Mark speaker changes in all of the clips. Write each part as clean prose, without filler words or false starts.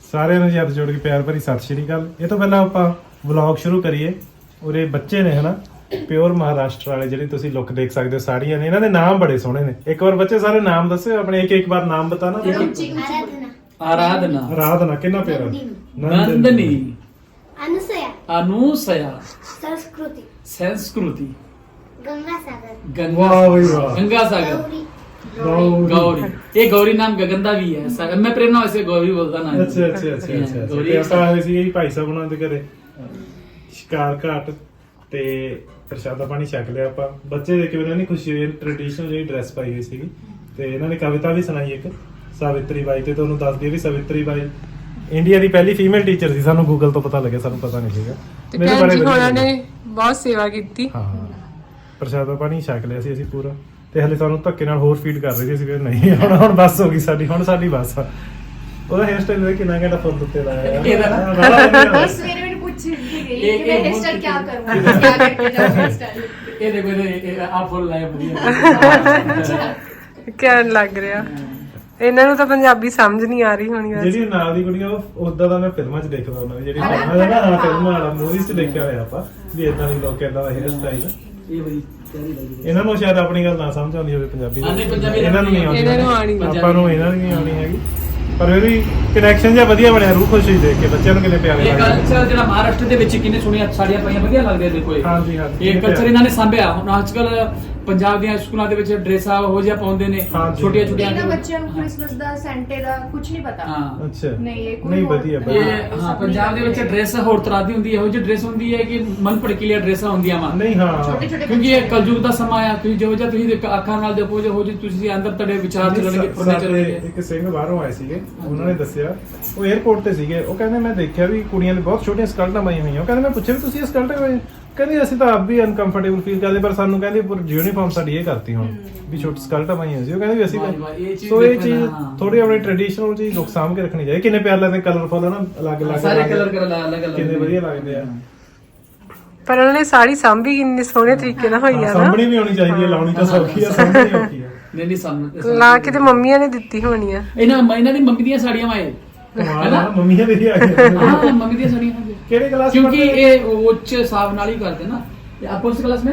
Speaker 1: ਸਾਰਿਆਂ ਨੂੰ ਹੱਥ ਜੋੜ ਕੇ ਪਿਆਰ ਭਰੀ ਸਤਿ ਸ਼੍ਰੀ ਅਕਾਲ। ਇਹ ਤੋਂ ਪਹਿਲਾਂ ਆਪਾਂ ਵਲੌਗ ਸ਼ੁਰੂ ਕਰੀਏ। ਉਰੇ ਬੱਚੇ ਨੇ ਹਨਾ ਪਿਓਰ ਮਹਾਰਾਸ਼ਟਰ ਵਾਲੇ, ਜਿਹੜੇ ਤੁਸੀਂ ਲੁੱਕ ਦੇਖ ਸਕਦੇ ਹੋ ਸਾੜੀਆਂ ਨੇ। ਇਹਨਾਂ ਦੇ ਨਾਮ ਬੜੇ ਸੋਹਣੇ ਨੇ। ਇੱਕ ਵਾਰ ਬੱਚੇ ਸਾਰੇ ਨਾਮ ਦੱਸਿਓ ਆਪਣੇ, ਇੱਕ ਬਾਰ ਨਾਮ ਬਤਾਨਾ।
Speaker 2: आराधना
Speaker 1: आराधना कितना प्यारा।
Speaker 2: नंदनी
Speaker 3: अनुसया
Speaker 2: अनुसया
Speaker 3: संस्कृति
Speaker 2: संस्कृति
Speaker 3: गंगासागर
Speaker 1: वाह भाई वाह।
Speaker 2: गंगा सागर
Speaker 3: गौरी
Speaker 2: गौरी ये गौरी नाम गगनदा भी है सागर मैं प्रेरणा वैसे गौरी बोलता ना
Speaker 1: ਅੱਛਾ ਅੱਛਾ ਅੱਛਾ ਅੱਛਾ
Speaker 2: ਗੌਰੀ
Speaker 1: ਤੇ ਆਪਾਂ ਹੋਏ ਸੀ ਭਾਈ ਸਾਹਿਬ ਉਹਨਾਂ ਦੇ ਘਰੇ ਸ਼ਿਕਾਰ ਘਾਟ ਤੇ ਪ੍ਰਸ਼ਾਦਾ ਪਾਣੀ ਛਕ ਲਿਆ ਆਪਾਂ। ਬੱਚੇ ਦੇਖ ਕੇ ਉਹਨਾਂ ਨੇ ਖੁਸ਼ੀ ਹੋਈ। ਟ੍ਰੈਡੀਸ਼ਨਲ ਜਿਹੜੀ ਡਰੈਸ ਪਾਈ ਹੋਈ ਸੀਗੀ ਤੇ ਇਹਨਾਂ ਨੇ ਕਵਿਤਾ ਵੀ ਸੁਣਾਈ ਇੱਕ ਸਾਵਿਤਰੀ ਬਾਈ। ਤੇ ਤੁਹਾਨੂੰ ਦੱਸ ਦਈਏ ਵੀ ਸਾਵਿਤਰੀ ਬਾਈ ਇੰਡੀਆ ਦੀ ਪਹਿਲੀ ਫੀਮੇਲ ਟੀਚਰ ਸੀ। ਸਾਨੂੰ ਗੂਗਲ ਤੋਂ ਪਤਾ ਲੱਗਿਆ, ਸਾਨੂੰ ਪਤਾ ਨਹੀਂ ਸੀਗਾ।
Speaker 4: ਤੇ ਭੈਣ ਜੀ ਹੋਰਾਂ ਨੇ ਬਹੁਤ ਸੇਵਾ ਕੀਤੀ।
Speaker 1: ਹਾਂ ਪ੍ਰਸ਼ਾਦਾ ਪਾਣੀ ਛਕ ਲਿਆ ਸੀ ਅਸੀਂ ਪੂਰਾ। ਤੇ ਹਲੇ ਸਾਨੂੰ ਧੱਕੇ ਨਾਲ ਹੋਰ ਫੀਡ ਕਰ ਰਹੇ ਸੀ। ਅਸੀਂ ਨਹੀਂ ਹੁਣ ਬੱਸ ਹੋ ਗਈ ਸਾਡੀ, ਹੁਣ ਸਾਡੀ ਬੱਸ ਆ। ਉਹਦਾ ਹੇਅਰ ਸਟਾਈਲ ਦੇ ਕਿੰਨਾ ਘੰਟਾ ਫੁੱਲ ਉੱਤੇ ਲਾਇਆ
Speaker 5: सवेरे मैंने पूछ रही थी कि मैं हेयर स्टाइल क्या करूं, क्या करके जाऊं हेयर स्टाइल।
Speaker 2: ये देखो ये आप बोल रहे हैं बढ़िया
Speaker 4: ਕਹਿਣ ਲੱਗ ਰਿਹਾ। ਇਹਨਾਂ ਨੂੰ ਤਾਂ ਪੰਜਾਬੀ ਸਮਝ ਨਹੀਂ ਆ ਰਹੀ ਹੋਣੀ ਵੈਸੇ।
Speaker 1: ਜਿਹੜੀ ਨਾਲ ਦੀ ਕੁੜੀਆਂ ਉਹ ਉਦਾਂ ਦਾ ਮੈਂ ਫਿਲਮਾਂ 'ਚ ਦੇਖਦਾ ਉਹਨਾਂ ਦੀ ਜਿਹੜੀ ਫਿਲਮਾਂ ਦਾ ਨਾ ਫਿਲਮਾਂ ਵਾਲਾ ਮੂਵੀਜ਼ 'ਚ ਦੇਖਿਆ ਹੋਇਆ ਆਪਾਂ ਵੀ ਇਦਾਂ ਦੀ ਲੋਕ ਇਦਾਂ ਦਾ ਹੇਅਰ ਸਟਾਈਲ।
Speaker 2: ये बड़ी प्यारी लगी
Speaker 1: ਇਹਨਾਂ ਨੂੰ ਸ਼ਾਇਦ ਆਪਣੀ ਗੱਲ ਨਾ ਸਮਝ ਆਉਂਦੀ ਹੋਵੇ ਪੰਜਾਬੀ
Speaker 2: ਹਾਂ, ਨਹੀਂ, ਪੰਜਾਬੀ
Speaker 1: ਇਹਨਾਂ ਨੂੰ ਨਹੀਂ ਆਉਂਦੀ।
Speaker 4: ਇਹਨਾਂ ਨੂੰ ਆਉਣੀ ਨਹੀਂ।
Speaker 1: ਆਪਾਂ ਨੂੰ ਇਹਨਾਂ ਨੂੰ ਨਹੀਂ ਆਉਣੀ ਹੈਗੀ। ਪਰ ਫਿਰ ਵੀ ਕਨੈਕਸ਼ਨ ਜਿਹਾ ਵਧੀਆ ਬਣਿਆ। ਰੂਹ ਖੁਸ਼ ਹੋਈ ਦੇਖ ਕੇ ਬੱਚਿਆਂ ਨੂੰ ਕਿੰਨੇ ਪਿਆਰੇ
Speaker 2: ਇਹ
Speaker 1: ਲੱਗਦੇ।
Speaker 2: ਕਲਚਰ ਜਿਹੜਾ ਮਹਾਰਾਸ਼ਟਰ ਦੇ ਵਿੱਚ ਕਿੰਨੇ ਸੋਹਣੀਆਂ ਸਾੜੀਆਂ ਪਾਈਆਂ ਵਧੀਆ ਲੱਗਦੇ ਦੇਖੋ ਇਹ।
Speaker 1: ਹਾਂਜੀ ਹਾਂਜੀ
Speaker 2: ਇਹ ਕਲਚਰ ਇਹਨਾਂ ਨੇ ਸਾਂਭਿਆ। ਹੁਣ ਅੱਜ ਕੱਲ ਪੰਜਾਬ ਦੀਆਂ ਸਕੂਲਾਂ ਦੇ ਵਿੱਚ ਡਰੈਸਾਂ ਹੋ ਜਿਹਾ ਪਾਉਂਦੇ ਨੇ
Speaker 1: ਹਾਂਜੀ।
Speaker 2: ਛੋਟੀਆਂ ਛੋਟੀਆਂ।
Speaker 5: ਇਹਨਾਂ ਬੱਚਿਆਂ ਨੂੰ ਕ੍ਰਿਸਮਸ ਦਾ ਸੈਂਟੇ ਦਾ ਕੁਝ ਨਹੀਂ ਪਤਾ।
Speaker 2: ਹਾਂ
Speaker 1: ਅੱਛਾ
Speaker 5: ਨਹੀਂ, ਇਹ ਕੋਈ
Speaker 1: ਨਹੀਂ
Speaker 5: ਹੋਰ-
Speaker 1: ਵਧੀਆ
Speaker 2: ਇਹ
Speaker 1: ਵਧੀਆ।
Speaker 2: ਹਾਂ ਪੰਜਾਬ ਦੇ ਵਿੱਚ ਡਰੈਸ ਹੋਰ ਤਰ੍ਹਾਂ ਦੀ ਹੁੰਦੀ ਹੈ। ਇਹੋ ਜਿਹੀ ਡਰੈਸ ਹੁੰਦੀ ਹੈ ਕਿ ਮਨ ਭੜਕੀਲੀਆਂ ਡਰੈਸਾਂ ਹੁੰਦੀਆਂ ਵਾ।
Speaker 1: ਨਹੀਂ ਹਾਂ
Speaker 5: ਛੋਟੇ ਛੋਟੇ
Speaker 2: ਕਿਉਂਕਿ ਇਹ ਕਲਯੁਗ ਦਾ ਸਮਾਂ ਆ। ਤੁਸੀਂ ਜਿਹੋ ਜਿਹਾ ਤੁਸੀਂ ਅੱਖਾਂ ਨਾਲ ਦੇਖੋ ਜਿਹੋ ਜਿਹੀ ਤੁਸੀਂ ਅੰਦਰ ਤੁਹਾਡੇ ਵਿਚਾਰ ਚੱਲਣਗੇ ਫੁਰਨੇ
Speaker 1: ਸਾਡੇ
Speaker 2: ਚੱਲਣਗੇ।
Speaker 1: ਇੱਕ ਸਿੰਘ ਬਾਹਰੋਂ ਆਏ ਸੀਗੇ, ਉਹਨਾਂ ਨੇ ਦੱਸਿਆ ਉਹ 에어ਪੋਰਟ ਤੇ ਸੀਗੇ। ਉਹ ਕਹਿੰਦੇ ਮੈਂ ਦੇਖਿਆ ਵੀ ਕੁੜੀਆਂ ਨੇ ਬਹੁਤ ਛੋਟੀਆਂ ਸਕਰਟਾਂ ਪਾਈਆਂ ਹੋਈਆਂ। ਉਹ ਕਹਿੰਦੇ ਮੈਂ ਪੁੱਛਿਆ ਵੀ ਤੁਸੀਂ ਇਹ ਸਕਰਟਾਂ ਪਾਈਆਂ? ਕਹਿੰਦੇ ਅਸੀਂ ਤਾਂ ਆਪ ਵੀ ਅਨਕੰਫਰਟੇਬਲ ਫੀਲ ਕਰਦੇ, ਪਰ ਸਾਨੂੰ ਕਹਿੰਦੇ ਪਰ ਯੂਨੀਫਾਰਮ ਸਾਡੀ ਇਹ ਕਰਤੀ ਹੁਣ ਵੀ ਛੋਟੀ ਸਕਰਟਾਂ ਪਾਈਆਂ ਸੀ। ਉਹ ਕਹਿੰਦੇ ਵੀ ਅਸੀਂ
Speaker 2: ਵਾਹ ਜੀ ਵਾਹ, ਇਹ ਚੀਜ਼
Speaker 1: ਸੋ ਇਹ
Speaker 2: ਦੇਖਣਾ,
Speaker 1: ਚੀਜ਼
Speaker 2: ਹਾਂ।
Speaker 1: ਥੋੜੀ ਆਪਣੀ ਟ੍ਰੈਡੀਸ਼ਨਲ ਚੀਜ਼ ਲੋਕ ਸਾਂਭ ਕੇ ਰੱਖਣੀ ਚਾਹੀਦੀ। ਕਿੰਨੇ ਪਿਆਰ ਲੱਗਦੇ ਕਲਰਫੁਲ ਹੈ ਨਾ, ਅਲੱਗ-ਅਲੱਗ
Speaker 2: ਸਾਰੇ ਕਲਰ ਕਰ ਅਲੱਗ ਅਲੱਗ
Speaker 1: ਕਿੰਨੇ ਵਧੀਆ ਲੱਗਦੇ ਆ।
Speaker 4: ਪਰ ਉਹਨਾਂ ਨੇ ਸਾੜੀ ਸਾਂਭੀ ਕਿੰਨੇ ਸੋਹਣੇ ਤਰੀਕੇ ਨਾਲ ਹੋਈ ਆ ਨਾ।
Speaker 1: ਸਾਂਭਣੀ ਵੀ ਹੋਣੀ ਚਾਹੀਦੀ ਹੈ, ਲਾਉਣੀ ਤਾਂ ਸੌਖੀ ਆ, ਸਾਂਭਣੀ ਔਖੀ ਆ।
Speaker 2: ਨਹੀਂ ਨਹੀਂ ਸਾਨੂੰ
Speaker 4: ਲਾ ਕੇ ਤੇ ਮੰਮੀਆਂ ਨੇ ਦਿੱਤੀ ਹੋਣੀ ਆ।
Speaker 2: ਇਹਨਾਂ ਦੀ ਮੰਮੀ ਦੀਆਂ ਸਾੜੀਆਂ ਵਾਏ
Speaker 1: ਕਮਾਲ ਆ, ਮੰਮੀਆਂ ਦੇ ਵੀ ਆ ਗਏ।
Speaker 2: ਹਾਂ ਮੰਮੀ ਦੀਆਂ ਸਾੜੀਆਂ ਹੁੰਦੀਆਂ।
Speaker 1: ਕਿਹੜੇ ਕਲਾਸ
Speaker 2: क्योंकि ये उच्च हिसाब नाल ही करते ना। ये आप कौन सी क्लास में?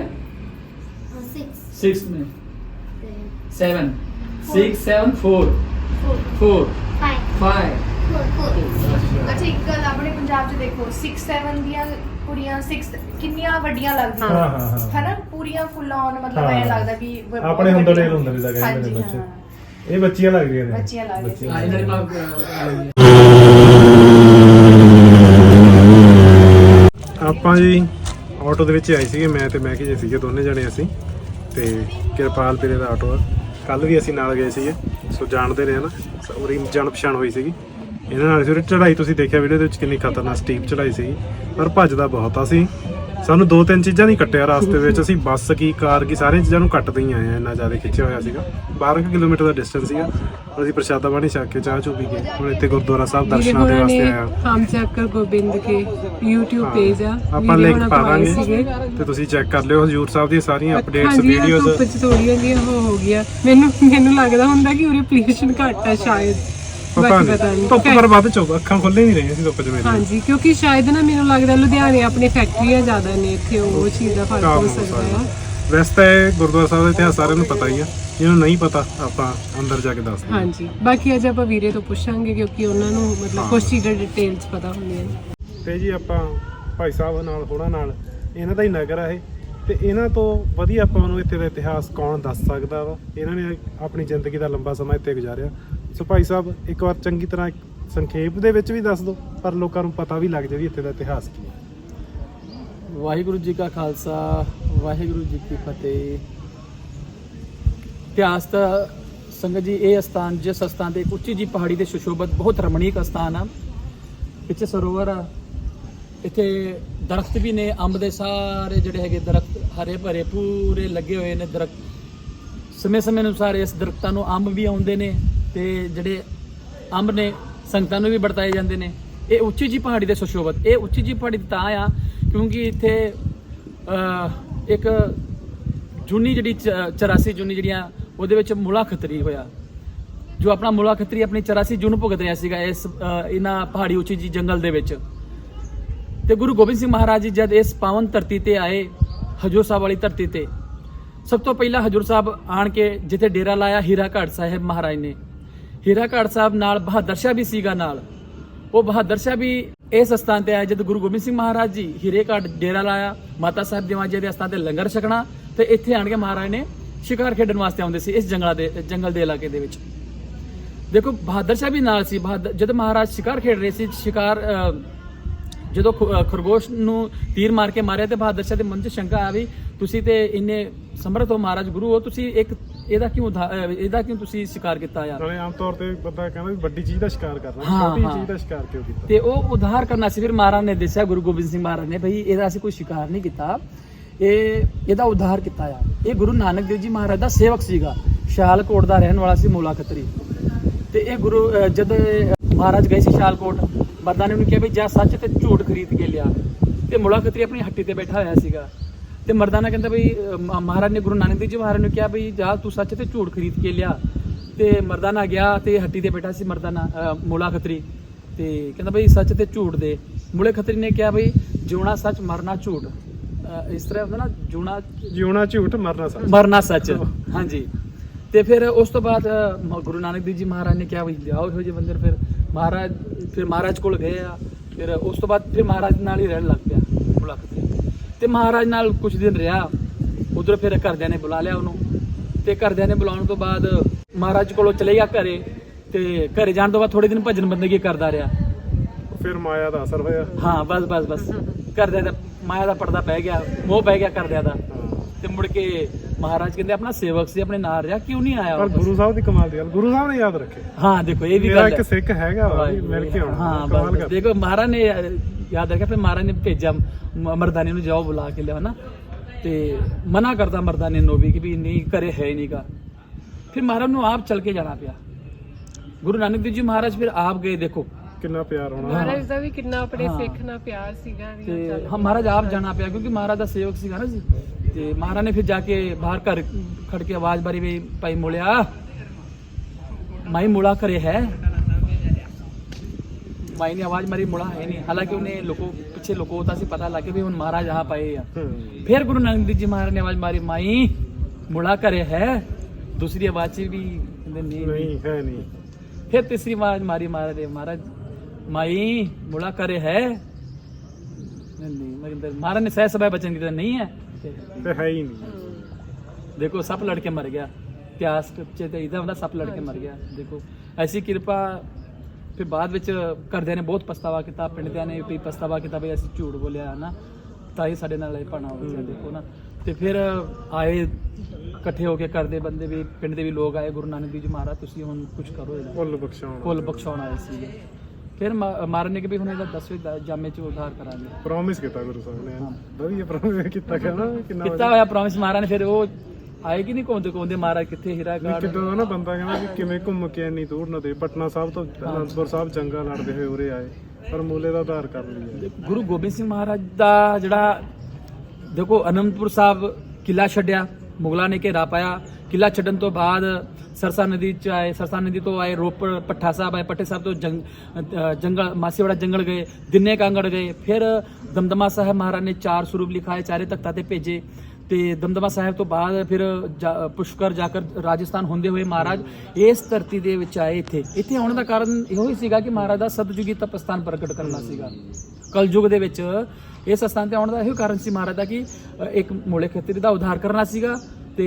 Speaker 2: 6 में 7 6 7 4 4 5
Speaker 5: ਅੱਛਾ ਇੱਕ ਗੱਲ ਆਪਣੇ ਪੰਜਾਬ 'ਚ ਦੇਖੋ 6 7 ਦੀਆਂ ਕੁੜੀਆਂ 6 ਕਿੰਨੀਆਂ ਵੱਡੀਆਂ ਲੱਗਦੀਆਂ।
Speaker 1: ਹਾਂ ਹਾਂ ਹਾਂ
Speaker 5: ਹਨਾ ਪੂਰੀਆਂ ਫੁੱਲ ਆਨ ਮਤਲਬ
Speaker 1: ਹਾਂ।
Speaker 5: ਐ ਲੱਗਦਾ ਵੀ ਬਹੁਤ
Speaker 1: ਆਪਣੇ ਹੁੰਦਾ
Speaker 5: ਵੱਡੀਆਂ।
Speaker 1: ਡੇਲ ਹੁੰਦਾ ਵੀ ਲੱਗ ਜਾਂਦੇ ਨੇ
Speaker 5: ਹਾਂਜੀ,
Speaker 1: ਬੱਚੇ।
Speaker 5: ਹਾਂ।
Speaker 1: ਇਹ ਬੱਚੀਆਂ ਲੱਗਦੀਆਂ ਨੇ,
Speaker 5: ਬੱਚੀਆਂ ਲੱਗਦੀਆਂ।
Speaker 2: हाँ इधर
Speaker 1: ਆਪਾਂ ਜੀ ਆਟੋ ਦੇ ਵਿੱਚ ਆਏ ਸੀਗੇ, ਮੈਂ ਤੇ ਮੈਕੀ ਜੀ ਸੀਗੇ, ਦੋਨੇ ਜਣੇ ਅਸੀਂ। ਤੇ ਕਿਰਪਾਲ ਵੀਰੇ ਦਾ ਆਟੋ ਆ। ਕੱਲ ਵੀ ਅਸੀਂ ਨਾਲ ਗਏ ਸੀਗੇ, ਸੋ ਜਾਣਦੇ ਨੇ ਹਨਾ, ਉਹਦੀ ਜਾਣ ਪਛਾਣ ਹੋਈ ਸੀਗੀ ਇਹਨਾਂ ਨਾਲ। ਸੀ ਚੜਾਈ ਤੁਸੀਂ ਦੇਖਿਆ ਵੀਡੀਓ ਦੇ ਵਿੱਚ ਕਿੰਨੀ ਖਤਰਨਾਕ ਸਟੀਪ ਚੜਾਈ ਸੀਗੀ, ਪਰ ਭੱਜਦਾ ਬਹੁਤ ਆ ਸੀ। ਸਾਨੂੰ 2-3 ਚੀਜ਼ਾਂ ਨਹੀਂ ਕੱਟਿਆ ਰਾਸਤੇ ਵਿੱਚ। ਅਸੀਂ ਬੱਸ ਕੀ ਕਾਰ ਕੀ ਸਾਰੀਆਂ ਚੀਜ਼ਾਂ ਨੂੰ ਕੱਟਦੇ ਹੀ ਆਏ ਆ। ਇੰਨਾ ਜ਼ਿਆਦਾ ਖਿੱਚਿਆ ਹੋਇਆ ਸੀਗਾ। 12 ਕਿਲੋਮੀਟਰ ਦਾ ਡਿਸਟੈਂਸ ਸੀਗਾ। ਅਸੀਂ ਪ੍ਰਸ਼ਾਦਾ ਪਾਣੀ ਛਕ ਕੇ ਚਾਹ ਚੂ ਪੀ ਕੇ ਹੁਣ ਇੱਥੇ ਗੁਰਦੁਆਰਾ ਸਾਹਿਬ ਦਰਸ਼ਨਾਂ ਦੇ ਵਾਸਤੇ ਆਇਆ।
Speaker 4: ਹਮ ਚੱਕਰ ਗੋਬਿੰਦ ਕੇ YouTube ਪੇਜ ਆ,
Speaker 1: ਆਪਾਂ ਲਿੰਕ ਪਾ ਦਾਂਗੇ
Speaker 4: ਸੀਗੇ।
Speaker 1: ਤੇ ਤੁਸੀਂ ਚੈੱਕ ਕਰ ਲਿਓ। ਹਜ਼ੂਰ ਸਾਹਿਬ ਦੀਆਂ ਸਾਰੀਆਂ ਅਪਡੇਟਸ
Speaker 4: ਹਾਂਜੀ, ਆਹ
Speaker 1: ਵੀਡੀਓਜ਼।
Speaker 4: ਧੁੱਪ 'ਚ ਥੋੜੀਆਂ ਜਿਹੀਆਂ ਹੋ ਗਿਆ। ਮੈਨੂੰ ਲੱਗਦਾ ਹੁੰਦਾ ਕਿ ਉਰੇ ਪੋਲੂਸ਼ਨ ਘੱਟ ਆ ਸ਼ਾਇਦ।
Speaker 1: ਪਤਾ
Speaker 4: ਬਾਕੀ
Speaker 1: ਨਹੀਂ ਧੁੱਪ ਪਰ ਵੱਧ ਚੁੱਕ ਅੱਖਾਂ ਖੁੱਲੇ ਨਹੀਂ ਰਹੀਆਂ ਸੀ ਧੁੱਪ 'ਚ ਮੇਰੇ।
Speaker 4: ਹਾਂਜੀ ਕਿਉਂਕਿ ਸ਼ਾਇਦ ਨਾ ਮੈਨੂੰ ਲੱਗਦਾ ਲੁਧਿਆਣੇ ਆਪਣੇ ਫੈਕਟਰੀਆਂ ਜ਼ਿਆਦਾ ਨੇ, ਇੱਥੇ ਉਹ ਚੀਜ਼ ਦਾ ਫਰਕ ਹੋ ਸਕਦਾ ਆ।
Speaker 1: ਵੈਸੇ ਤਾਂ ਇਹ ਗੁਰਦੁਆਰਾ ਸਾਹਿਬ ਦਾ ਇਤਿਹਾਸ ਸਾਰਿਆਂ ਨੂੰ ਪਤਾ ਹੀ ਆ। ਜਿਹਨੂੰ ਨਹੀਂ ਪਤਾ ਆਪਾਂ ਅੰਦਰ ਜਾ ਕੇ ਦੱਸਦੇ ਹਾਂ।
Speaker 4: ਹਾਂਜੀ ਬਾਕੀ ਅੱਜ ਆਪਾਂ ਵੀਰੇ ਤੋਂ ਪੁੱਛਾਂਗੇ ਕਿਉਂਕਿ ਉਹਨਾਂ ਨੂੰ ਮਤਲਬ ਕੁਝ ਚੀਜ਼ਾਂ ਡਿਟੇਲਸ ਪਤਾ ਹੁੰਦੀਆਂ ਨੇ।
Speaker 1: ਤੇ ਜੀ ਆਪਾਂ ਭਾਈ ਸਾਹਿਬ ਨਾਲ ਹੋਣਾ ਨਾਲ ਇਹਨਾਂ ਦਾ ਹੀ ਨਗਰ ਆ ਇਹ। ਤੇ ਇਹਨਾਂ ਤੋਂ ਵਧੀਆ ਆਪਾਂ ਨੂੰ ਇੱਥੇ ਦਾ ਇਤਿਹਾਸ ਕੌਣ ਦੱਸ ਸਕਦਾ ਵਾ। ਇਹਨਾਂ ਨੇ ਆਪਣੀ ਜ਼ਿੰਦਗੀ ਦਾ ਲੰਬਾ ਸਮਾਂ ਇੱਥੇ ਗੁਜ਼ਾਰਿਆ। ਸੋ ਭਾਈ ਸਾਹਿਬ ਇੱਕ ਵਾਰ ਚੰਗੀ ਤਰ੍ਹਾਂ ਸੰਖੇਪ ਦੇ ਵਿੱਚ ਵੀ ਦੱਸ ਦਿਓ, ਪਰ ਲੋਕਾਂ ਨੂੰ ਪਤਾ ਵੀ ਲੱਗ ਜਾਵੇ ਵੀ ਇੱਥੇ ਦਾ ਇਤਿਹਾਸ ਕੀ ਹੈ।
Speaker 2: ਵਾਹਿਗੁਰੂ ਜੀ ਕਾ ਖਾਲਸਾ ਵਾਹਿਗੁਰੂ ਜੀ ਕੀ ਫਤਿਹ। ਇਤਿਹਾਸ ਦਾ ਸੰਗਤ ਜੀ ਇਹ ਸਥਾਨ ਜਿਸ ਸਥਾਨ ਤੇ ਇੱਕ ਉੱਚੀ ਜੀ ਪਹਾੜੀ ਤੇ ਸੁਸ਼ੋਭਤ ਬਹੁਤ ਰਮਣੀਕ ਸਥਾਨ ਆ। ਪਿੱਛੇ ਸਰੋਵਰ ਆ, ਇੱਥੇ ਦਰਖਤ ਵੀ ਨੇ। ਅੰਬ ਦੇ ਸਾਰੇ ਜਿਹੜੇ ਹੈਗੇ ਦਰਖਤ ਹਰੇ ਭਰੇ ਪੂਰੇ ਲੱਗੇ ਹੋਏ ਨੇ ਦਰਖਤ। ਸਮੇਂ ਅਨੁਸਾਰ ਇਸ ਦਰਖਤਾਂ ਨੂੰ ਅੰਬ ਵੀ ਆਉਂਦੇ ਨੇ ਤੇ ਜਿਹੜੇ ਅੰਬ ਨੇ ਸੰਗਤਾਂ ਨੂੰ ਵੀ ਵਰਤਾਏ ਜਾਂਦੇ ਨੇ। ਇਹ ਉੱਚੀ ਜੀ ਪਹਾੜੀ ਦੇ ਸੁਸ਼ੋਭਤ। ਇਹ ਉੱਚੀ ਜੀ ਪਹਾੜੀ ਤਾਂ ਆ ਕਿਉਂਕਿ ਇੱਥੇ ਇੱਕ ਜੂਨੀ ਜਿਹੜੀ 84 ਜੂਨੀ ਜਿਹੜੀਆਂ ਉਹਦੇ ਵਿੱਚ ਮੁਲਾ ਖੱਤਰੀ ਹੋਇਆ। ਜੋ ਆਪਣਾ ਮੂਲਾ ਖੱਤਰੀ ਆਪਣੀ 84 ਜੂਨ ਭੁਗਤ ਰਿਹਾ ਸੀਗਾ ਇਸ ਇਹਨਾਂ ਪਹਾੜੀ ਉੱਚੀ ਜੀ ਜੰਗਲ ਦੇ ਵਿੱਚ। ਤੇ ਗੁਰੂ ਗੋਬਿੰਦ ਸਿੰਘ ਮਹਾਰਾਜ ਜੀ ਜਦ ਇਸ ਪਾਵਨ ਧਰਤੀ ਤੇ ਆਏ, ਹਜੂਰ ਸਾਹਿਬ ਵਾਲੀ ਧਰਤੀ ਤੇ, ਸਭ ਤੋਂ ਪਹਿਲਾਂ ਹਜੂਰ ਸਾਹਿਬ ਆਣ ਕੇ ਜਿੱਥੇ ਡੇਰਾ ਲਾਇਆ ਹੀਰਾ ਘਾਟ ਸਾਹਿਬ ਮਹਾਰਾਜ ਨੇ। ਹੀਰਾ ਘਾਟ ਸਾਹਿਬ ਨਾਲ ਬਹਾਦਰ ਸ਼ਾਹ ਵੀ ਸੀਗਾ ਨਾਲ। ਉਹ ਬਹਾਦਰ ਸ਼ਾਹ ਵੀ ਇਸ ਸਥਾਨ ਤੇ ਆਇਆ ਜਦ ਗੁਰੂ ਗੋਬਿੰਦ ਸਿੰਘ ਮਹਾਰਾਜ ਜੀ ਹੀਰੇ ਘਾਟ ਡੇਰਾ ਲਾਇਆ, ਮਾਤਾ ਸਾਹਿਬ ਦੇਵਾਂ ਜੀ ਦੇ ਸਥਾਨ ਤੇ ਲੰਗਰ ਛਕਣਾ, ਤੇ ਇੱਥੇ ਆਣ ਕੇ ਮਹਾਰਾਜ ਨੇ ਸ਼ਿਕਾਰ ਖੇਡਣ ਵਾਸਤੇ ਆਉਂਦੇ ਸੀ ਇਸ ਜੰਗਲ ਦੇ ਇਲਾਕੇ ਦੇ ਵਿੱਚ। ਦੇਖੋ ਬਹਾਦਰ ਸ਼ਾਹ ਵੀ ਨਾਲ ਸੀ। ਜਦ ਮਹਾਰਾਜ ਸ਼ਿਕਾਰ ਖੇਡ ਰਹੇ ਸੀ, ਸ਼ਿਕਾਰ ਜਦੋਂ ਖਰਗੋਸ਼ ਨੂੰ ਤੀਰ ਮਾਰ ਕੇ ਮਾਰਿਆ ਤੇ ਬਹਾਦਰ ਸ਼ਾਹ ਦੇ ਮਨ 'ਚ ਸ਼ੰਕਾ ਆ ਵੀ ਤੁਸੀਂ ਤੇ ਇੰਨੇ ਸਮਰਥ ਹੋ ਮਹਾਰਾਜ ਗੁਰੂ ਹੋ, ਤੁਸੀਂ ਇਹਦਾ ਕਿਉਂ ਤੁਸੀਂ ਸ਼ਿਕਾਰ ਕੀਤਾ ਯਾਰ।
Speaker 1: ਨਾਲੇ ਆਮ ਤੌਰ ਤੇ ਬੰਦਾ ਕਹਿੰਦਾ ਵੀ ਵੱਡੀ ਚੀਜ਼ ਦਾ ਸ਼ਿਕਾਰ ਕਰਨਾ,
Speaker 2: ਹਾਂ,
Speaker 1: ਛੋਟੀ
Speaker 2: ਹਾਂ।
Speaker 1: ਚੀਜ਼ ਦਾ ਸ਼ਿਕਾਰ ਕਿਉਂ ਕੀਤਾ।
Speaker 2: ਤੇ ਉਹ ਉਧਾਰ ਕਰਨਾ ਸੀ। ਫਿਰ ਮਹਾਰਾਜ ਨੇ ਦੱਸਿਆ, ਗੁਰੂ ਗੋਬਿੰਦ ਸਿੰਘ ਮਹਾਰਾਜ ਨੇ, ਭਈ ਇਹਦਾ ਅਸੀਂ ਕੋਈ ਸ਼ਿਕਾਰ ਨਹੀਂ ਕੀਤਾ, ਇਹਦਾ ਉਧਾਰ ਕੀਤਾ ਆ। ਇਹ ਗੁਰੂ ਨਾਨਕ ਦੇਵ ਜੀ ਮਹਾਰਾਜ ਦਾ ਸੇਵਕ ਸੀਗਾ, ਸ਼ਾਲਕੋਟ ਦਾ ਰਹਿਣ ਵਾਲਾ ਸੀ ਮੂਲਾ ਖੱਤਰੀ। ਤੇ ਇਹ ਗੁਰੂ ਜਦ ਮਹਾਰਾਜ ਗਏ ਸੀ ਸ਼ਾਲਕੋਟ, ਮਰਦਾਨੇ ਨੂੰ ਕਿਹਾ ਵੀ ਜਾ ਸੱਚ ਤੇ ਝੂਠ ਖਰੀਦ ਕੇ ਲਿਆ। ਤੇ ਮੂਲਾ ਖੱਤਰੀ ਆਪਣੀ ਹੱਟੀ ਤੇ ਬੈਠਾ ਹੋਇਆ ਸੀਗਾ। ਤੇ ਮਰਦਾਨਾ ਕਹਿੰਦਾ ਬਈ ਮਹਾਰਾਜ ਨੇ ਗੁਰੂ ਨਾਨਕ ਦੇਵ ਜੀ ਮਹਾਰਾਜ ਨੂੰ ਕਿਹਾ ਬਈ ਜਾ ਤੂੰ ਸੱਚ ਤੇ ਝੂਠ ਖਰੀਦ ਕੇ ਲਿਆ। ਤੇ ਮਰਦਾਨਾ ਗਿਆ ਤੇ ਹੱਟੀ ਤੇ ਬੈਠਾ ਸੀ ਮਰਦਾਨਾ ਮੂਲਾ ਖੱਤਰੀ, ਤੇ ਕਹਿੰਦਾ ਬਈ ਸੱਚ ਤੇ ਝੂਠ ਦੇ। ਮੂਲੇ ਖੱਤਰੀ ਨੇ ਕਿਹਾ ਬਈ ਜਿਉਣਾ ਸੱਚ ਮਰਨਾ ਝੂਠ, ਇਸ ਤਰ੍ਹਾਂ ਹੁੰਦਾ ਨਾ,
Speaker 1: ਜਿਉਣਾ ਝੂਠ
Speaker 2: ਮਰਨਾ ਸੱਚ। ਹਾਂਜੀ। ਤੇ ਫਿਰ ਉਸ ਤੋਂ ਬਾਅਦ ਗੁਰੂ ਨਾਨਕ ਦੇਵ ਜੀ ਮਹਾਰਾਜ ਨੇ ਕਿਹਾ ਬਈ ਲਿਆਓ ਇਹੋ ਜਿਹੇ ਬੰਦੇ। ਫਿਰ ਮਹਾਰਾਜ ਕੋਲ ਗਏ ਆ। ਫਿਰ ਉਸ ਤੋਂ ਬਾਅਦ ਫਿਰ ਮਹਾਰਾਜ ਨਾਲ ਹੀ ਰਹਿਣ ਲੱਗ ਪਿਆ ਮੂਲਾ ਖੱਤਰੀ। ਤੇ ਮਹਾਰਾਜ ਨਾਲ ਕੁਝ ਦਿਨ ਰਿਹਾ। ਉਧਰ ਫਿਰ ਘਰਦਿਆਂ ਨੇ ਬੁਲਾ ਲਿਆ ਉਹਨੂੰ, ਤੇ ਘਰਦਿਆਂ ਨੇ ਬੁਲਾਉਣ ਤੋਂ ਬਾਅਦ ਮਹਾਰਾਜ ਕੋਲੋਂ ਚਲੇ ਗਿਆ ਘਰੇ। ਤੇ ਘਰੇ ਜਾਣ ਤੋਂ ਬਾਅਦ ਥੋੜੇ ਦਿਨ ਭਜਨ ਬੰਦਗੀ ਕਰਦਾ ਰਿਹਾ।
Speaker 1: ਫਿਰ ਮਾਇਆ ਦਾ ਅਸਰ ਹੋਇਆ।
Speaker 2: ਹਾਂ, ਬਸ ਘਰਦਿਆਂ ਦਾ ਮਾਇਆ ਦਾ ਪਰਦਾ ਪੈ ਗਿਆ, ਮੋਹ ਪੈ ਗਿਆ ਘਰਦਿਆਂ ਦਾ। ਤੇ ਮੁੜ ਕੇ ਮਹਾਰਾਜ ਕਹਿੰਦੇ ਆਪਣਾ ਸੇਵਕ ਸੀ, ਆਪਣੇ ਨਾਲ ਰਿਹਾ, ਕਿਉਂ ਨਹੀਂ ਆਇਆ।
Speaker 1: ਪਰ ਗੁਰੂ ਸਾਹਿਬ ਦੀ ਕਮਾਲ ਦੀ ਗੱਲ, ਗੁਰੂ ਸਾਹਿਬ ਨੇ ਯਾਦ ਰੱਖੇ।
Speaker 2: ਹਾਂ, ਦੇਖੋ ਇਹ ਵੀ
Speaker 1: ਮੇਰਾ
Speaker 2: ਗੱਲ
Speaker 1: ਇੱਕ ਸਿੱਖ ਹੈਗਾ ਵਾ ਵੀ ਮਿਲ ਕੇ ਆਉਣਾ।
Speaker 2: ਹਾਂ,
Speaker 1: ਕਮਾਲ
Speaker 2: ਬਸ
Speaker 1: ਕਰ।
Speaker 2: ਦੇਖੋ ਮਹਾਰਾਜ ਨੇ ਯਾਦ ਰੱਖਿਆ। ਫਿਰ ਮਹਾਰਾਜ ਨੇ ਭੇਜਿਆ ਮਰਦਾਨੇ ਨੂੰ, ਜਾਓ ਬੁਲਾ ਕੇ ਲਿਆ ਨਾ। ਤੇ ਮਨਾ ਕਰਦਾ ਮਰਦਾਨੇ ਨੂੰ ਵੀ ਕਿ ਵੀ ਨਹੀਂ, ਘਰੇ ਹੈ ਹੀ ਨਹੀਂਗਾ। ਫਿਰ ਮਹਾਰਾਜ ਨੂੰ ਆਪ ਚੱਲ ਕੇ ਜਾਣਾ ਪਿਆ। ਗੁਰੂ ਨਾਨਕ ਦੇਵ ਜੀ ਮਹਾਰਾਜ ਫਿਰ ਆਪ ਗਏ। ਦੇਖੋ
Speaker 1: ਕਿੰਨਾ ਪਿਆਰ ਹੋਣਾ।
Speaker 4: ਮਹਾਰਾਜ ਦਾ ਵੀ ਕਿੰਨਾ ਆਪਣੇ ਸਿੱਖ ਨਾਲ ਪਿਆਰ ਸੀਗਾ ਵੀ।
Speaker 2: ਤੇ ਮਹਾਰਾਜ ਆਪ ਜਾਣਾ ਪਿਆ ਕਿਉਂਕਿ ਮਹਾਰਾਜ ਦਾ ਸੇਵਕ ਸੀਗਾ ਨਾ ਜੀ। ਤੇ ਮਹਾਰਾਜ ਨੇ ਫਿਰ ਜਾ ਕੇ ਬਾਹਰ ਘਰ ਖੜ ਕੇ ਆਵਾਜ਼ ਮਾਰੀ ਵੀ ਭਾਈ ਮੂਲਿਆ, ਮਾਈ ਮੂਲਾ ਘਰੇ ਹੈ। ਮਾਈ ਨੇ ਆਵਾਜ਼ ਮਾਰੀ, ਮੂਲਾ ਹੈ ਨਹੀਂ। ਹਾਲਾਂਕਿ ਉਹਨੇ ਪਿੱਛੇ ਲੁਕੋਤਾ ਸੀ, ਪਤਾ ਲੱਗ ਗਿਆ ਵੀ ਹੁਣ ਮਹਾਰਾਜ ਆ ਪਏ ਆ। ਫਿਰ ਗੁਰੂ ਨਾਨਕ ਦੇਵ ਜੀ ਮਹਾਰਾਜ ਨੇ ਆਵਾਜ਼ ਮਾਰੀ, ਮਾਈ ਮੂਲਾ ਘਰੇ ਹੈ। ਦੂਸਰੀ ਆਵਾਜ਼ 'ਚ ਵੀ ਕਹਿੰਦੇ ਨਹੀਂ
Speaker 1: ਹੈ ਨਹੀਂ।
Speaker 2: ਫਿਰ ਤੀਸਰੀ ਆਵਾਜ਼ ਮਾਰੀ ਮਹਾਰਾਜ ਨੇ, ਮਹਾਰਾਜ ਮਾਈ ਮੂਲਾ ਘਰੇ ਹੈ ਨਹੀਂ। ਮਹਾਰਾਜ ਨੇ ਸਹਿ ਸਭਾ ਬਚਨ ਕੀਤਾ, ਨਹੀਂ ਹੈ
Speaker 1: ਤੇ ਹੈ ਹੀ ਨਹੀਂ।
Speaker 2: ਦੇਖੋ ਸੱਪ ਲੜ ਕੇ ਮਰ ਗਿਆ। ਇਤਿਹਾਸ ਚ ਤੇ ਇਹਦਾ ਹੁੰਦਾ ਸੱਪ ਲੜ ਕੇ ਮਰ ਗਿਆ। ਦੇਖੋ ਐਸੀ ਕਿਰਪਾ। ਫਿਰ ਬਾਅਦ ਵਿੱਚ ਘਰਦਿਆਂ ਨੇ ਬਹੁਤ ਪਛਤਾਵਾ ਕੀਤਾ, ਪਿੰਡਿਆਂ ਨੇ ਵੀ ਪਛਤਾਵਾ ਕੀਤਾ ਵੀ ਅਸੀਂ ਝੂਠ ਬੋਲਿਆ ਹੈ ਨਾ, ਤਾਂ ਹੀ ਸਾਡੇ ਨਾਲ ਇਹ ਭਾਣਾ ਹੋ ਗਿਆ। ਦੇਖੋ ਨਾ। ਤੇ ਫਿਰ ਆਏ ਇਕੱਠੇ ਹੋ ਕੇ ਘਰ ਦੇ ਬੰਦੇ ਵੀ, ਪਿੰਡ ਦੇ ਵੀ ਲੋਕ ਆਏ, ਗੁਰੂ ਨਾਨਕ ਦੇਵ ਜੀ ਮਹਾਰਾਜ ਤੁਸੀਂ ਹੁਣ ਕੁਝ ਕਰੋ, ਇਹਦਾ ਕੁੱਲ ਬਖਸ਼ਾਉਣ ਆਏ ਸੀਗੇ। ਫਿਰ ਮਹਾਰਾਜ ਨੇ ਕਿ ਵੀ ਹੁਣ ਇਹਦਾ 10ਵੇਂ ਜਾਮੇ ਚ ਉਧਾਰ ਕਰਾਂਗੇ।
Speaker 1: ਪ੍ਰੋਮਿਸ ਕੀਤਾ ਗੁਰੂ ਸਾਹਿਬ ਨੇ, ਵਧੀਆ ਪ੍ਰੋਮਿਸ ਕੀਤਾ। ਕਿੰਨਾ
Speaker 2: ਕੀਤਾ ਹੋਇਆ ਪ੍ਰੋਮਿਸ ਮਹਾਰਾਜ ਨੇ। ਫਿਰ ਉਹ ਆਏ ਕਿ ਨਹੀਂ ਘੁੰਮਦੇ ਮਹਾਰਾਜ ਕਿੱਥੇ ਹੀਰਾ ਘਾਟ।
Speaker 1: ਕਿੱਦਾਂ ਦਾ ਨਾ ਬੰਦਾ ਕਹਿੰਦਾ ਵੀ ਕਿਵੇਂ ਘੁੰਮ ਕੇ ਇੰਨੀ ਦੂਰ ਨਾ ਦੇ, ਪਟਨਾ ਸਾਹਿਬ ਤੋਂ ਅਨੰਦਪੁਰ ਸਾਹਿਬ ਜੰਗਾ ਲੜਦੇ ਹੋਏ ਉਰੇ ਆਏ, ਪਰ ਮੂਲੇ ਦਾ ਉਧਾਰ ਕਰ ਲਿਆ।
Speaker 2: ਗੁਰੂ ਗੋਬਿੰਦ ਸਿੰਘ ਮਹਾਰਾਜ ਦਾ ਜਿਹੜਾ ਦੇਖੋ ਅਨੰਦਪੁਰ ਸਾਹਿਬ ਕਿਲਾ ਛੱਡਿਆ, ਮੁਗਲਾਂ ਨੇ ਘੇਰਾ ਪਾਇਆ। ਕਿਲਾ ਛੱਡਣ ਤੋਂ ਬਾਅਦ ਸਰਸਾ ਨਦੀ ਚ ਆਏ, ਸਰਸਾ ਨਦੀ ਤੋਂ ਆਏ ਰੋਪੜ, ਪੱਠਾ ਸਾਹਿਬ ਆਏ, ਪੱਠੇ ਸਾਹਿਬ ਤੋਂ ਜੰਗਲ ਮਾਸੀਵਾੜਾ ਜੰਗਲ ਗਏ, ਦਿਨੇ ਕਾਂਗੜ ਗਏ। ਫਿਰ ਦਮਦਮਾ ਸਾਹਿਬ ਮਹਾਰਾਜ ਨੇ 4 ਸਰੂਪ ਲਿਖਾਏ, 4 ਤਖਤਾਂ ਤੇ ਭੇਜੇ। ਤੇ ਦਮਦਮਾ ਸਾਹਿਬ ਤੋਂ ਬਾਅਦ ਫਿਰ ਪੁਸ਼ਕਰ ਜਾ ਕੇ ਰਾਜਸਥਾਨ ਹੁੰਦੇ ਹੋਏ ਮਹਾਰਾਜ ਇਸ ਧਰਤੀ ਦੇ ਵਿੱਚ ਆਏ। ਇੱਥੇ ਆਉਣ ਦਾ ਕਾਰਨ ਇਹੋ ਹੀ ਸੀਗਾ ਕਿ ਮਹਾਰਾਜ ਦਾ ਸਤਜੁਗੀ ਤਪਸਥਾਨ ਪ੍ਰਗਟ ਕਰਨਾ ਸੀਗਾ। ਕਲਯੁਗ ਦੇ ਵਿੱਚ ਇਸ ਸਥਾਨ ਤੇ ਆਉਣ ਦਾ ਇਹੋ ਕਾਰਨ ਸੀ ਮਹਾਰਾਜ ਦਾ ਕਿ ਇੱਕ ਮੂਲੇ ਖੇਤਰੀ ਦਾ ਉਧਾਰ ਕਰਨਾ ਸੀਗਾ ਤੇ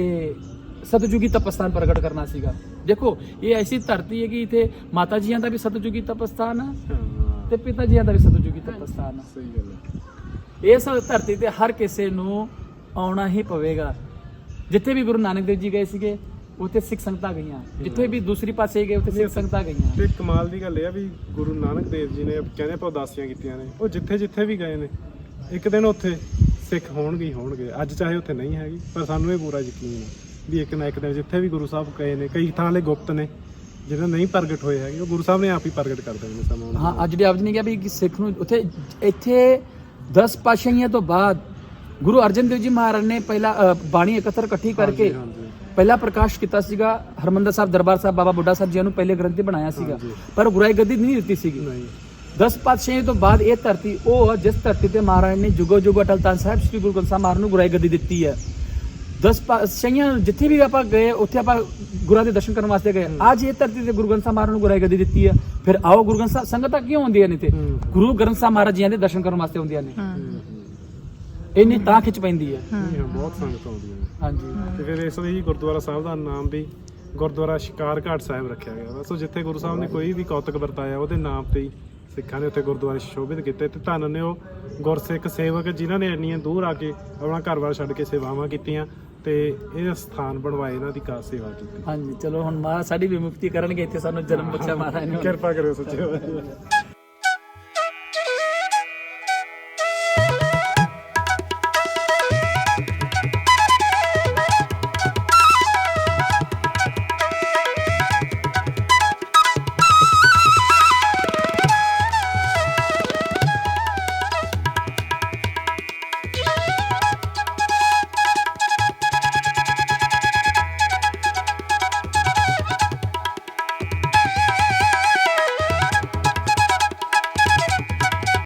Speaker 2: ਸਤਜੁਗੀ ਤਪਸਥਾਨ ਪ੍ਰਗਟ ਕਰਨਾ ਸੀਗਾ। ਦੇਖੋ ਇਹ ਐਸੀ ਧਰਤੀ ਹੈ ਕਿ ਇੱਥੇ ਮਾਤਾ ਜੀਆਂ ਦਾ ਵੀ ਸਤਜੁਗੀ ਤਪਸਥਾਨ ਹੈ ਤੇ ਪਿਤਾ ਜੀਆਂ ਦਾ ਵੀ ਸਤਜੁਗੀ ਤਪਸਥਾਨ ਹੈ।
Speaker 1: ਸਹੀ ਗੱਲ ਹੈ।
Speaker 2: ਇਸ ਧਰਤੀ ਤੇ ਹਰ ਕਿਸੇ ਨੂੰ ਆਉਣਾ ਹੀ ਪਵੇਗਾ। ਜਿੱਥੇ ਵੀ ਗੁਰੂ ਨਾਨਕ ਦੇਵ ਜੀ ਗਏ ਸੀਗੇ ਉੱਥੇ ਸਿੱਖ ਸੰਗਤਾਂ ਗਈਆਂ, ਜਿੱਥੇ ਵੀ ਦੂਸਰੀ ਪਾਸੇ ਗਏ ਉੱਥੇ ਸਿੱਖ ਸੰਗਤਾਂ ਗਈਆਂ।
Speaker 1: ਤੇ ਕਮਾਲ ਦੀ ਗੱਲ ਇਹ ਆ ਵੀ ਗੁਰੂ ਨਾਨਕ ਦੇਵ ਜੀ ਨੇ ਕਹਿੰਦੇ ਆਪਾਂ ਉਦਾਸੀਆਂ ਕੀਤੀਆਂ ਨੇ, ਉਹ ਜਿੱਥੇ ਵੀ ਗਏ ਨੇ ਇੱਕ ਦਿਨ ਉੱਥੇ ਸਿੱਖ ਹੋਣਗੇ। ਅੱਜ ਚਾਹੇ ਉੱਥੇ ਨਹੀਂ ਹੈਗੀ, ਪਰ ਸਾਨੂੰ ਇਹ ਪੂਰਾ ਯਕੀਨ ਹੈ ਵੀ ਇੱਕ ਨਾ ਇੱਕ ਦਿਨ ਜਿੱਥੇ ਵੀ ਗੁਰੂ ਸਾਹਿਬ ਗਏ ਨੇ, ਕਈ ਥਾਂ ਲਈ ਗੁਪਤ ਨੇ ਜਿਹਨਾਂ ਨਹੀਂ ਪ੍ਰਗਟ ਹੋਏ ਹੈਗੇ, ਉਹ ਗੁਰੂ ਸਾਹਿਬ ਨੇ ਆਪ ਹੀ ਪ੍ਰਗਟ ਕਰ ਦੇਣੇ ਸਮਾਂ।
Speaker 2: ਹਾਂ, ਅੱਜ ਦੇ ਆਪ ਜੀ ਨੇ ਕਿਹਾ ਵੀ ਸਿੱਖ ਨੂੰ ਉੱਥੇ ਇੱਥੇ 10 ਪਾਤਸ਼ਾਹੀਆਂ ਤੋਂ ਬਾਅਦ ਗੁਰੂ ਅਰਜਨ ਦੇਵ ਜੀ ਮਹਾਰਾਜ ਨੇ ਪਹਿਲਾਂ ਬਾਣੀ ਇਕੱਠੀ ਕਰਕੇ ਪਹਿਲਾ ਪ੍ਰਕਾਸ਼ ਕੀਤਾ ਸੀਗਾ ਹਰਮੰਦਰ ਸਾਹਿਬ ਦਰਬਾਰ ਸਾਹਿਬ ਬਾਬਾ ਬੁੱਢਾ ਸਾਹਿਬ ਜੀ ਨੂੰ ਪਹਿਲੇ ਗ੍ਰੰਥੀ ਬਣਾਇਆ ਸੀਗਾ, ਪਰ ਗੁਰਾਈ ਗੱਦੀ ਨਹੀਂ ਦਿੱਤੀ ਸੀਗੀ। 10 ਪਾਤਸ਼ਾਹੀਆਂ ਤੋਂ ਬਾਅਦ ਇਹ ਧਰਤੀ ਉਹ ਜਿਸ ਧਰਤੀ ਤੇ ਮਹਾਰਾਜ ਨੇ ਜੁਗੋ ਜੁਗੋ ਅਟਲ ਤਖਤ ਸਾਹਿਬ ਸ੍ਰੀ ਗੁਰੂ ਗ੍ਰੰਥ ਸਾਹਿਬ ਮਹਾਰਾਜ ਨੂੰ ਗੁਰਾਈ ਗੱਦੀ ਦਿੱਤੀ ਹੈ। 10 ਪਾਤਸ਼ਾਹੀਆਂ ਜਿੱਥੇ ਵੀ ਆਪਾਂ ਗਏ ਉੱਥੇ ਆਪਾਂ ਗੁਰਾਂ ਦੇ ਦਰਸ਼ਨ ਕਰਨ ਵਾਸਤੇ ਗਏ। ਅੱਜ ਇਹ ਧਰਤੀ ਤੇ ਗੁਰੂ ਗ੍ਰੰਥ ਸਾਹਿਬ ਮਹਾਰਾਜ ਨੂੰ ਗੁਰਾਈ ਗੱਦੀ ਦਿੱਤੀ ਹੈ। ਫਿਰ ਆਓ ਗੁਰੂ ਗ੍ਰੰਥ ਸਾਹਿਬ ਸੰਗਤਾਂ ਕਿਉਂ ਆਉਂਦੀਆਂ ਨੇ ਤੇ ਗੁਰੂ ਗ੍ਰੰਥ ਸਾਹਿਬ ਮਹਾਰਾਜ ਜੀ ਦੇ ਦਰਸ਼ਨ ਕਰਨ ਵਾਸਤੇ ਆਉਂਦੀਆਂ ਨੇ। ਇੰਨੀ ਤਾਂ ਖਿੱਚ ਪੈਂਦੀ ਹੈ।
Speaker 1: ਬਹੁਤ ਸੰਗਤ ਆਉਂਦੀਆਂ ਨੇ।
Speaker 2: ਹਾਂਜੀ
Speaker 1: ਤੇ ਫਿਰ ਇਸ ਲਈ ਗੁਰਦੁਆਰਾ ਸਾਹਿਬ ਦਾ ਨਾਮ ਵੀ ਗੁਰਦੁਆਰਾ ਸ਼ਿਕਾਰ ਘਾਟ ਸਾਹਿਬ ਰੱਖਿਆ ਗਿਆ ਵਾ। ਸੋ ਜਿੱਥੇ ਗੁਰੂ ਸਾਹਿਬ ਨੇ ਕੋਈ ਵੀ ਕੌਤਕ ਵਰਤਾਇਆ ਉਹਦੇ ਨਾਮ ਤੇ ਹੀ ਸਿੱਖਾਂ ਨੇ ਉੱਥੇ ਗੁਰਦੁਆਰੇ ਸ਼ੋਭਿਤ ਕੀਤੇ। ਤੇ ਧੰਨ ਨੇ ਉਹ ਗੁਰਸਿੱਖ ਸੇਵਕ ਜਿਨ੍ਹਾਂ ਨੇ ਇੰਨੀਆਂ ਦੂਰ ਆ ਕੇ ਆਪਣਾ ਘਰ-ਬਾਰ ਛੱਡ ਕੇ ਸੇਵਾਵਾਂ ਕੀਤੀਆਂ ਤੇ ਇਹ ਸਥਾਨ ਬਣਵਾਏ, ਇਹਨਾਂ ਦੀ ਖਾਸ ਸੇਵਾ ਕੀਤੀ।
Speaker 2: ਹਾਂਜੀ ਚਲੋ ਹੁਣ ਮਹਾਰਾਜ ਸਾਡੀ ਵੀ ਮੁਕਤੀ ਕਰਨਗੇ, ਇੱਥੇ ਸਾਨੂੰ ਜਨਮ ਬਖਸ਼ਿਆ ਮਹਾਰਾਜ ਨੇ।
Speaker 1: ਕਿਰਪਾ ਕਰਿਓ ਸੱਚੇ।